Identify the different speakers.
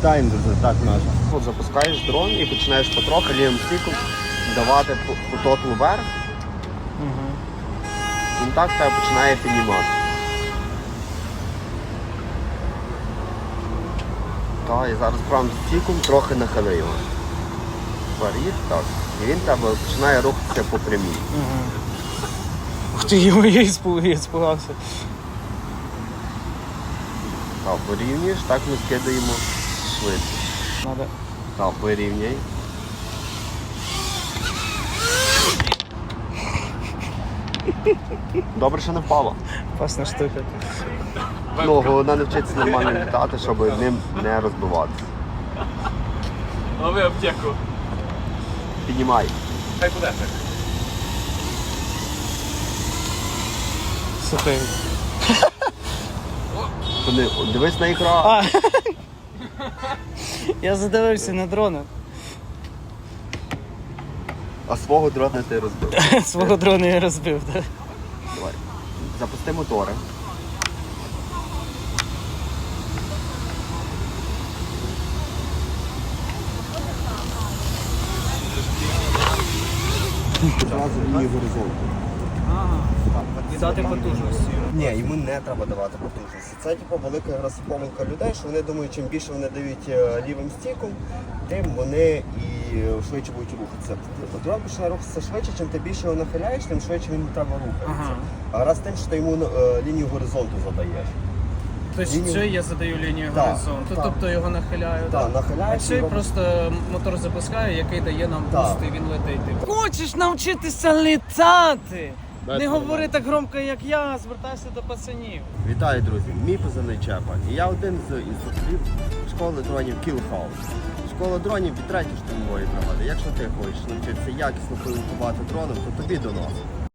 Speaker 1: Вітаємо, друзі, так наш.
Speaker 2: От запускаєш дрон і починаєш потрохи лівим стіком давати потоку вверх. Він так тебе починає піднімати. Так, і зараз правим стіком трохи нахили його. Вперед, так. І він тебе починає рухатися по прямій.
Speaker 3: Ух ти, я іспугався.
Speaker 2: Так, порівнюєш, так ми скидаємо швидкість.
Speaker 3: Надо.
Speaker 2: Так, порівняй. Добре, що не впало.
Speaker 3: Класна штука.
Speaker 2: Ну, головне навчитися нормально літати, щоб ним не розбиватися.
Speaker 4: Лови аптеку.
Speaker 2: Піднімай.
Speaker 4: Хай буде.
Speaker 3: Слухай.
Speaker 2: Дивись на екран.
Speaker 3: А. Я задивився на дрона.
Speaker 2: А свого дрона ти розбив.
Speaker 3: Свого дрона я розбив, так?
Speaker 2: Давай. Запусти мотори. Зразу лінію горизонту.
Speaker 3: І дати потужності.
Speaker 1: Ні, йому не треба давати потужності. Це типу велика якраз помилка людей, що вони думають, чим більше вони дають лівим стіком, тим вони і швидше будуть рухатися. Дрон починає рухатися швидше, чим ти більше його нахиляєш, тим швидше він треба рухатися. А раз тим, що ти йому лінію горизонту задаєш.
Speaker 3: Тобто це я задаю лінію
Speaker 1: Так,
Speaker 3: горизонту,
Speaker 1: так.
Speaker 3: тобто його нахиляю.
Speaker 1: Так,
Speaker 3: А
Speaker 1: нахиляєш
Speaker 3: це
Speaker 1: його.
Speaker 3: просто мотор запускає, який дає нам
Speaker 1: Так.
Speaker 3: буст, і він летить. Хочеш навчитися літати?
Speaker 2: Без
Speaker 3: Не
Speaker 2: проблем.
Speaker 3: говори так громко, як я, звертайся до пацанів.
Speaker 2: Вітаю, друзі! Мій позивний Чепа. І я один з інструкторів школи дронів Kill House. Школа дронів від 3-ї штурмової бригади. Якщо ти хочеш навчитися якісно пілотувати дроном, то тобі до нас.